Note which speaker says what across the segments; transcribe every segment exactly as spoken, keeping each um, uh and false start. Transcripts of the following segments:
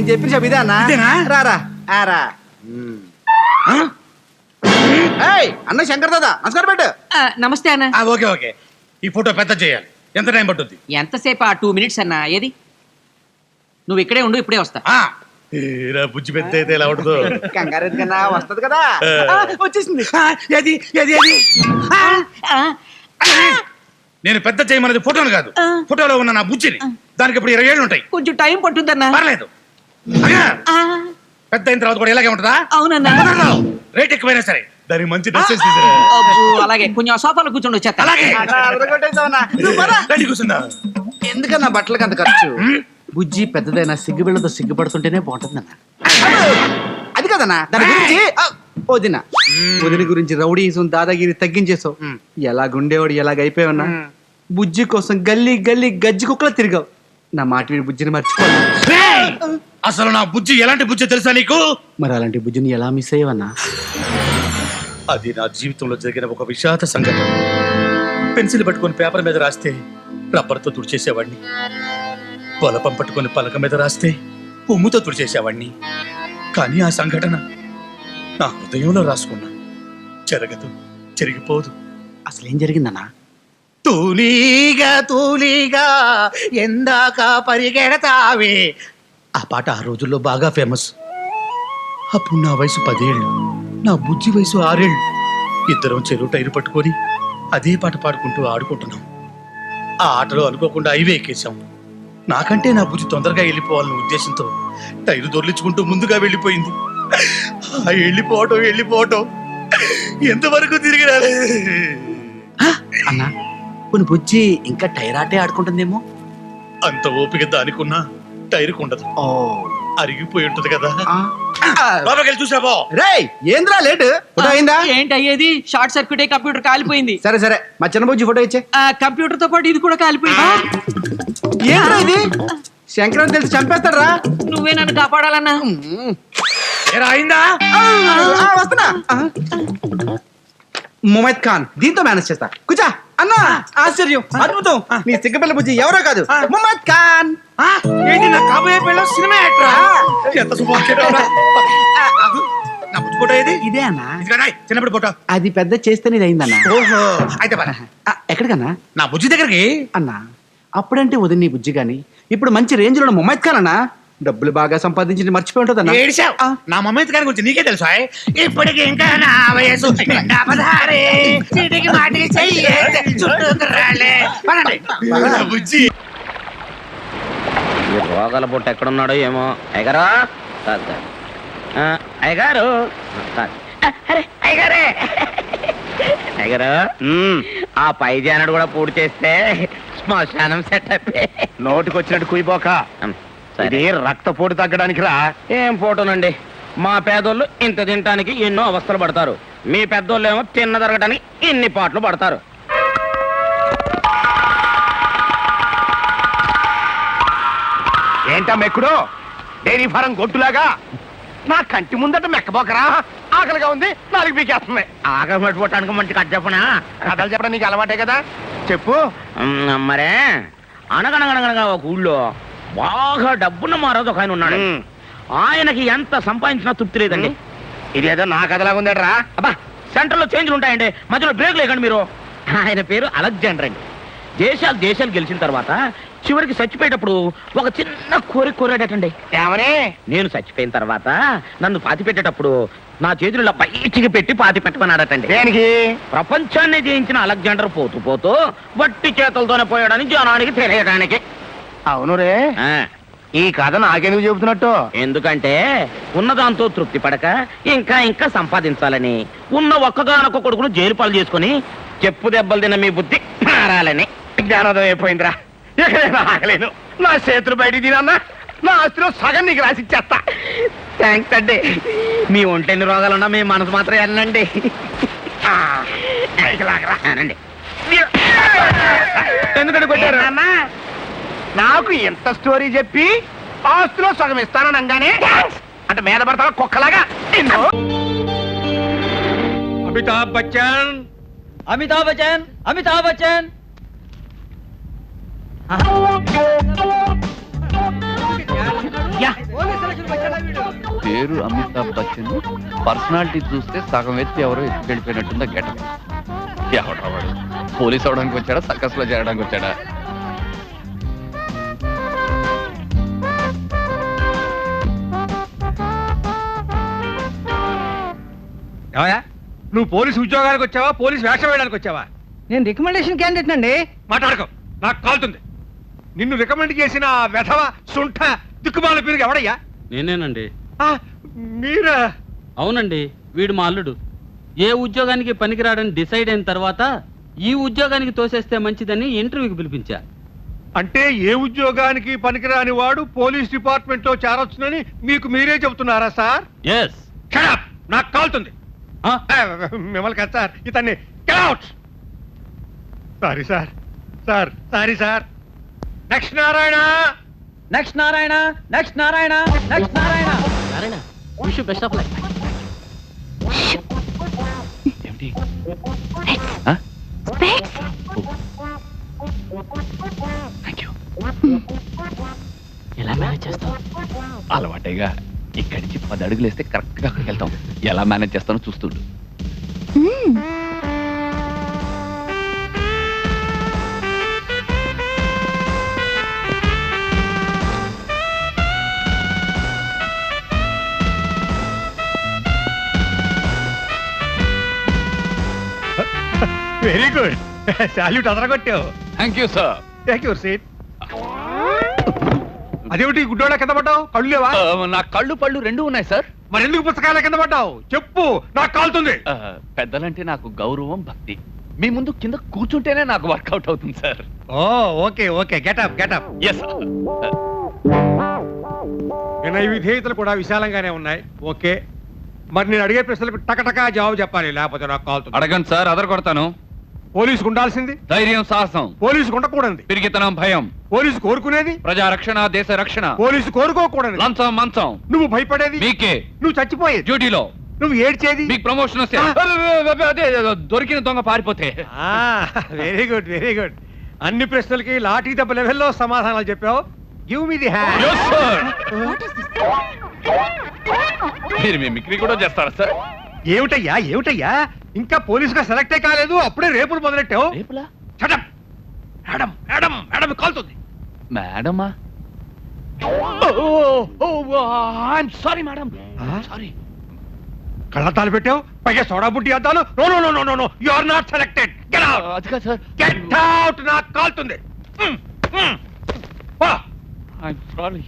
Speaker 1: నేను చెప్పిన చెప్పు ఇదే అన్నా. రారా ఆరా. అన్న శంకర్ దాదా నమస్కారం పెట్టు.
Speaker 2: నమస్తే అన్న.
Speaker 3: ఓకే ఓకే ఈ ఫోటో పెద్ద చేయాలి. ఎంత టైం పట్టుద్ది?
Speaker 2: ఎంతసేపు? ఆ టూ మినిట్స్ అన్న. ఏది నువ్వు ఇక్కడే ఉండు, ఇప్పుడే వస్తా.
Speaker 3: బుజ్జి పెద్ద అయితే ఎలా ఉంటుందో.
Speaker 1: కంగారు కన్నా వస్తది కదా. వచ్చేసింది.
Speaker 3: ఏది ఏది ఏది నేను పెద్ద చేయమన్నది ఫోటోను కాదు, ఫోటోలో ఉన్న నా బుజ్జిని. దానికి ఇప్పుడు ఇరవై ఏళ్ళు ఉంటాయి.
Speaker 2: కొంచెం టైం పట్టుద్దన్నా.
Speaker 3: పర్లేదు, పెద్ద అయిన తర్వాత కూడా ఇలాగే ఉంటుందా?
Speaker 2: అవునన్నా.
Speaker 3: రేట్ ఎక్కువైనా సరే దానికి మంచి డ్రెస్
Speaker 2: అలాగే కొంచెం సోఫాలో కూర్చోండి వచ్చేస్తా.
Speaker 3: అలాగే కూర్చుందా?
Speaker 1: ఎందుకన్నా బట్టలకి అంత ఖర్చు? బుజ్జి పెద్దదైనా సిగ్గుబిళ్ళతో సిగ్గుపడుతుంటేనే బాగుంటుందన్న. అది కదన్నా దాని గురించి. వదిన వదిన గురించి రౌడీజం దాదాగిరి తగ్గించేసావు. ఎలాగుండేవాడు ఎలాగైపోయావన్నా. బుజ్జి కోసం గల్లీ గల్లీ గజ్జి కుక్కలా తిరిగావు. నా మాట వీడి బుజ్జిని మర్చిపోను.
Speaker 3: అసలు నా బుజ్జి ఎలాంటి బుజ్జి తెలుసా నీకు?
Speaker 1: మరి అలాంటి బుజ్జిని ఎలా మిస్ అయ్యవన్నా?
Speaker 3: అది నా జీవితంలో జరిగిన ఒక విషాద సంఘటన. పెన్సిల్ పట్టుకొని పేపర్ మీద రాస్తే రబ్బర్తో తుడిచేసేవాడిని. పొలపం పట్టుకొని పలక మీద రాస్తే ఉమ్ముతో తుడిచేసేవాడిని. కానీ ఆ సంఘటన నా హృదయంలో రాసుకున్నా. జరగదు, చెరిగిపోదు.
Speaker 1: అసలేం జరిగిందన్నా?
Speaker 3: తూలీగా తూలీగా ఎందాక పరిగెడతావే ఆ పాట ఆ రోజుల్లో బాగా ఫేమస్. అప్పుడు నా వయసు పదేళ్ళు, నా బుజ్జి వయసు ఆరేళ్ళు. ఇద్దరం చెరువు టైరు పట్టుకొని అదే పాట పాడుకుంటూ ఆడుకుంటున్నాం. ఆ ఆటలో అనుకోకుండా హైవే ఎక్కేశాం. నాకంటే నా బుజ్జి తొందరగా వెళ్ళిపోవాలన్న ఉద్దేశంతో టైరు దొర్లించుకుంటూ ముందుగా వెళ్ళిపోయింది. ఆ వెళ్ళిపోవటం వెళ్ళిపోవటం ఎంతవరకు తిరిగి రాలే.
Speaker 1: అన్నా కొన్ని బుజ్జి ఇంకా టైర్ ఆటే ఆడుకుంటుందేమో.
Speaker 3: అంత ఓపిక దానికున్నా టైరుకు ఉండదు. అరిగిపోయి ఉంటది కదా. లోపలికి చూసావో?
Speaker 1: రేయ్ ఏంద్రా లేట్? ఫోటో అయిందా?
Speaker 2: ఏంటి అయ్యేది? షార్ట్ సర్క్యూట్ అయ్యి కంప్యూటర్ కాలిపోయింది.
Speaker 1: సరే సరే మా చిన్న బుజ్జి ఫోటో ఇచ్చే.
Speaker 2: కంప్యూటర్ తో పాటు ఇది కూడా కాలిపోయింది.
Speaker 1: ఏంద్రా ఇది? శంకరం తెలిసి చంపేస్తాడు రా.
Speaker 2: నువ్వే నన్ను కాపాడాలన్నా.
Speaker 3: అయిందా?
Speaker 1: వస్తున్నా. ముమైద్ ఖాన్ దీంతో మేనేజ్ చేస్తా. కూర్చో అన్నా. ఆశ్చర్యం, అద్భుతం. నీ సిగ్గపిల్ల బుజ్జి ఎవరో కాదు, ముమైద్ ఖాన్.
Speaker 3: ఏంటి నా కాబోయే పిల్ల సినిమా యాక్టరా? ఎంత శుభాకాంక్షలు. నా బుజ్జి ఫోటో ఏది?
Speaker 1: ఇదే అన్నా.
Speaker 3: చిన్నప్పుడు ఫోటో.
Speaker 1: అది పెద్ద చేస్తేనే ఇది అయిందన్నా.
Speaker 3: ఓహో అయితే పద.
Speaker 1: ఎక్కడికన్నా?
Speaker 3: నా బుజ్జి దగ్గరికి.
Speaker 1: అన్నా అప్పుడంటే వదిన నీ బుజ్జి గాని ఇప్పుడు మంచి రేంజ్ లో ముమైద్ ఖాన్ అన్నా. డబ్బులు బాగా సంపాదించి మర్చిపోయి ఉంటుంది అన్న.
Speaker 3: నా మమ్మీ గారి గురించి నీకే తెలుసా? ఇప్పటికి ఇంకా నా వయసు
Speaker 4: రోగాల బుట్ట ఎక్కడున్నాడో ఏమో. అయ్యగారా అయ్యగారు అయ్యగారే అయ్యగారు ఆ పై జానడు కూడా పూర్తి చేస్తే శ్మశానం సెటప్.
Speaker 5: నోటికి వచ్చినట్టు కుయిపోక. ఇది రక్తపోటు తగ్గడానికి రా.
Speaker 4: ఏం ఫోటోనండి, మా పేదోళ్ళు ఇంత తినటానికి ఎన్నో అవస్థలు పడతారు, మీ పెద్దోళ్ళు ఏమో తిన్న తరగటానికి ఇన్ని పాటలు పడతారు.
Speaker 5: ఏంటా మెక్కుడు? డైరీ ఫారం గొట్టులాగా నా కంటి ముందట మెక్కబోకరా. ఆకలిగా ఉంది, నాలుగు పీకేస్తుంది.
Speaker 4: ఆకలి పట్టుకోవటానికి మంచి కథ చెప్పనా?
Speaker 5: కథలు చెప్పడం నీకు అలవాటే కదా, చెప్పు.
Speaker 4: మరే అనగనగనగనగా ఒక ఊళ్ళో బాగా డబ్బున్న మారోజు ఒక ఆయన ఉన్నాడు. ఆయనకి ఎంత సంపాదించినా తృప్తి లేదండి.
Speaker 5: ఇదేదో నా కథలాగా ఉందట్రా.
Speaker 4: అబ్బా సెంటర్లో చేంజ్లు ఉంటాయండి, మధ్యలో బ్రేక్ లేకండి మీరు. ఆయన పేరు అలెగ్జాండర్ అండి. దేశాలు దేశాలు గెలిచిన తర్వాత చివరికి చచ్చిపోయేటప్పుడు ఒక చిన్న కోరిక కోరాడటండి.
Speaker 5: ఏమని?
Speaker 4: నేను చచ్చిపోయిన తర్వాత నన్ను పాతి పెట్టేటప్పుడు నా చేతుల్లో బయటికి పెట్టి పాతి పెట్టమన్నాడటండి.
Speaker 5: దేనికి?
Speaker 4: ప్రపంచాన్ని జయించిన అలెగ్జాండర్ పోతూ పోతూ వట్టి చేతులతోనే పోయాడని జనానికి తెలియడానికి.
Speaker 5: అవును రే. ఈ కథ నాకెందుకు చెబుతున్నట్టు?
Speaker 4: ఎందుకంటే ఉన్నదాంతో తృప్తి పడక ఇంకా ఇంకా సంపాదించాలని, ఉన్న ఒక్కగానొక్క కొడుకును జైలు పాలు చేసుకుని చెప్పు దెబ్బలు తిన్న మీ బుద్ధి మారాలని.
Speaker 5: జ్ఞానోదయం అయిపోయిందిరా. ఎక్కడైనా ఆగలేను. నా చేతులు బయటికి తినన్నా నా ఆస్తిలో సగం నీకు రాసిచ్చేస్తా.
Speaker 4: థ్యాంక్స్ అండి. మీ ఒంటెన్ని రోగాలున్నా మీ మనసు మాత్రం వెళ్ళండి.
Speaker 5: ఎందుకంటే కొట్టారు? నాకు ఎంత స్టోరీ చెప్పి ఆస్తిలో సగం ఇస్తానని అనగానే అంటే మీద పడతావా కుక్కలాగా?
Speaker 3: అమితాబ్ బచ్చన్,
Speaker 2: అమితాబ్ బచ్చన్, అమితాబ్ బచ్చన్. అయ్యా
Speaker 6: పేరు అమితాబ్ బచ్చన్, పర్సనాలిటీ చూస్తే సగం ఎత్తి ఎవరో ఎత్తి వెళ్ళిపోయినట్టుందా గెటప్. ఎవడా వాడు? పోలీస్ అవడానికి వచ్చాడా, సర్కస్ లో చేరడానికి వచ్చాడా?
Speaker 5: ఏమయ్యా, నువ్వు పోలీసు ఉద్యోగానికి వచ్చావా, పోలీసు వేషం వేయడానికి వచ్చావా?
Speaker 7: నేను రికమెండేషన్ క్యాండిడేట్ అండి.
Speaker 5: మాట్లాడుకో, నాకు కాలుతుంది. నిన్ను రికమెండ్ చేసిన ఆ వెధవ సుంఠ దిక్కుమాల పేరు ఎవడయ్యా?
Speaker 8: నేనేనండి.
Speaker 5: ఆ, మీరా?
Speaker 8: అవునండి, వీడు మా అల్లుడు. ఏ ఉద్యోగానికి పనికిరాడని డిసైడ్ అయిన తర్వాత ఈ ఉద్యోగానికి తోసేస్తే మంచిదని ఇంటర్వ్యూకి పిలిపించా.
Speaker 5: అంటే ఏ ఉద్యోగానికి పనికిరాని వాడు పోలీస్ డిపార్ట్మెంట్ లో చేరొచ్చునని మీకు మీరే చెబుతున్నారా సార్?
Speaker 8: ఎస్.
Speaker 5: Shut up! నాకు కాలుతుంది. ఆ, మిమ్మల్ని కదా సార్, ఇతన్ని sorry sir, sir sorry sir. Next Narayana.
Speaker 7: Next Narayana, next Narayana, next Narayana.
Speaker 8: Narayana, wish you best of luck.
Speaker 6: ఏమిటి? Thank you.
Speaker 8: ఎలా మేనేజ్ చేస్తావు?
Speaker 6: అలవాటేగా. ఇక్కడి నుంచి పది అడుగులు వేస్తే కరెక్ట్ గా అక్కడికి వెళ్తాం. ఎలా మేనేజ్ చేస్తానో చూస్తుండు.
Speaker 5: Very good. సాల్యూట్ అదరగొట్టావు.
Speaker 6: Thank you sir.
Speaker 5: Thank you seat. అదేమిటి గుడ్డోళ్ళ కింద పడ్డావు? కళ్ళు లేవా?
Speaker 6: నా కళ్ళు పళ్ళు రెండు ఉన్నాయి సార్.
Speaker 5: మరి ఎందుకు పుస్తకాల కింద పడ్డావు? చెప్పు, నాకు కాలుతుంది.
Speaker 6: ఆ, పెద్దలంటే నాకు గౌరవం, భక్తి. మీ ముందు కింద కూర్చుంటేనే నాకు వర్కౌట్ అవుతుంది sir.
Speaker 5: Oh okay okay, getup getup.
Speaker 6: Yes.
Speaker 5: వినయ విధేయతలు కూడా విశాలంగానే ఉన్నాయి. ఓకే, మరి నేను అడిగే ప్రశ్నలకు టకటకా జవాబు చెప్పాలి, లేకపోతే నాకు కాలుతుంది.
Speaker 6: అడగండి సార్, అదర కొడతాను.
Speaker 5: పోలీసుకు ఉండాల్సింది
Speaker 6: ధైర్యం, సాహసం,
Speaker 5: పోలీసుకు ఉండకూడదు.
Speaker 6: పిరిగితనం, భయం,
Speaker 5: పోలీసు కోరుకునేది
Speaker 6: ప్రజా రక్షణ, దేశ రక్షణ,
Speaker 5: పోలీసు కోరుకోకూడదు.
Speaker 6: లంచం మంచం,
Speaker 5: నువ్వు భయపడేది
Speaker 6: మీకే.
Speaker 5: నువ్వు చచ్చిపోయేది.
Speaker 6: డ్యూటీలో
Speaker 5: నువ్వు ఏడ్చేది.
Speaker 6: మీకు ప్రమోషన్ వస్తే
Speaker 5: ఆ.
Speaker 6: అదే దొరికిన దొంగ పారిపోతే.
Speaker 5: Very good very good. అన్ని ప్రశ్నలకి లాఠీ దెబ్బ లెవెల్లో సమాధానాలు చెప్పావు. Give me the hand.
Speaker 6: Yes, sir. మీరు మిమిక్రీ కూడా చేస్తారా సార్?
Speaker 5: ఏమిటయ్యా ఏమిటయ్యా, ఇంకా పోలీసుగా సెలెక్టే కాలేదు, అప్పుడే రేపులు మొదలెట్టావు.
Speaker 6: రేపులా?
Speaker 5: చటం. మేడం మేడం మేడం కాలుతుంది.
Speaker 6: మేడమా? I'm sorry madam, sorry.
Speaker 5: కళ్ళద్దాలు పెట్టావు, పైగా సోడా బుట్టి అద్దాలు. No no no no no you are not selected. Get out.
Speaker 6: అది కాదు సార్.
Speaker 5: Get out. నాకు కాలుతుంది. మ్, మ్. పో.
Speaker 6: I'm sorry.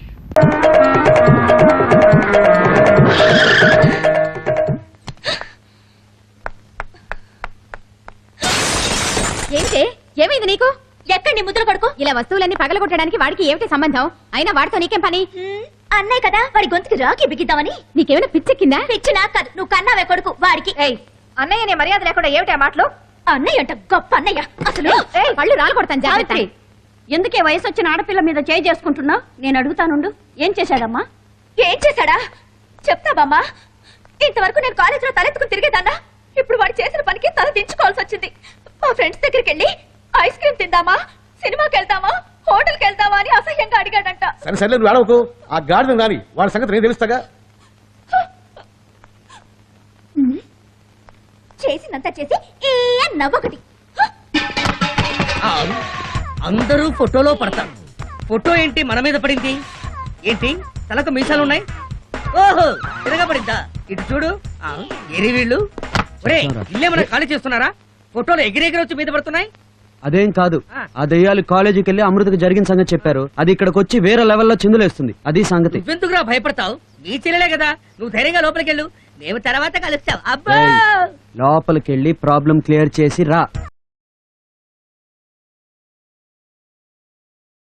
Speaker 9: ఏంటి ఏమైంది నీకు? ఎక్కడ నీ ముద్ర కొడుకు? ఇలా వస్తువులన్నీ పగలగొట్టడానికి వాడికి ఏమిటి సంబంధం? అయినా వాడితో నీకేం పని? అన్నయ్య కదా, వాడి గొంతుకి రాకి బిగిద్దామని. నీకేమైనా పిచ్చెక్కిందా? పిచ్చి నాకు కాదు, నువ్వు కన్నావే కొడుకు వాడికి. అన్నయ్య నీ మర్యాద లేకుండా ఏమిటి మాటలు? అన్నయ్య అంట గొప్ప అన్నయ్య. అసలు పళ్ళు రాలు కొడతాను జాగ్రత్త.
Speaker 10: ఎందుకే వయసు వచ్చిన ఆడపిల్ల మీద చేయి చేసుకుంటున్నా? నేను అడుగుతానుండు, ఏం చేశాడమ్మా?
Speaker 9: ఏం చేశాడా చెప్తావమ్మా? ఇంతవరకు నేను కాలేజీలో తలెత్తుకుని తిరిగేదాన్నా. ఇప్పుడు వాడు చేసిన పనికి తల దించుకోవాల్సి వచ్చింది. మా ఫ్రెండ్స్ దగ్గరికి వెళ్ళి ఐస్ క్రీమ్ తిందామా, సినిమాకి వెళ్దామా, హోటల్కి వెళ్దామా అని అసహ్యంగా అడిగాడంట.
Speaker 11: సరే సరే నువ్వు అడవకు. ఆ గాడిద రాని వాళ్ళ సంగతి నేను తెలుస్తాగా.
Speaker 9: చేసినంత చేసి ఏ నవ్వొకటి.
Speaker 7: అందరూ ఫోటోలో పడతారు. ఫోటో ఏంటి మన మీద పడింది? ఏంటి తలకు మీసాలున్నాయి? ఓహో, తిరగబడిందా? ఇటు చూడు. ఆ, ఎరి వీళ్ళు. ఒరే, ఇల్లేమన్నా ఖాళీ చేస్తున్నారా? ఫోటోలు ఎగిరెగిరి వచ్చి మీద పడుతున్నాయి.
Speaker 12: అదేం కాదు, ఆ దెయ్యాలు కాలేజీకి వెళ్ళి అమృతకు జరిగిన సంగతి చెప్పారు. అది ఇక్కడికి వచ్చి వేరే లెవెల్లో చిందులేస్తుంది. అది సంగతి.
Speaker 7: నువ్వెందుకురా భయపడతావు? నీ చెల్లెలే కదా, నువ్వు ధైర్యంగా లోపలికి వెళ్ళు. మేము తర్వాత కలుస్తాం. అబ్బా,
Speaker 12: లోపలికి వెళ్ళి ప్రాబ్లం క్లియర్ చేసి రా.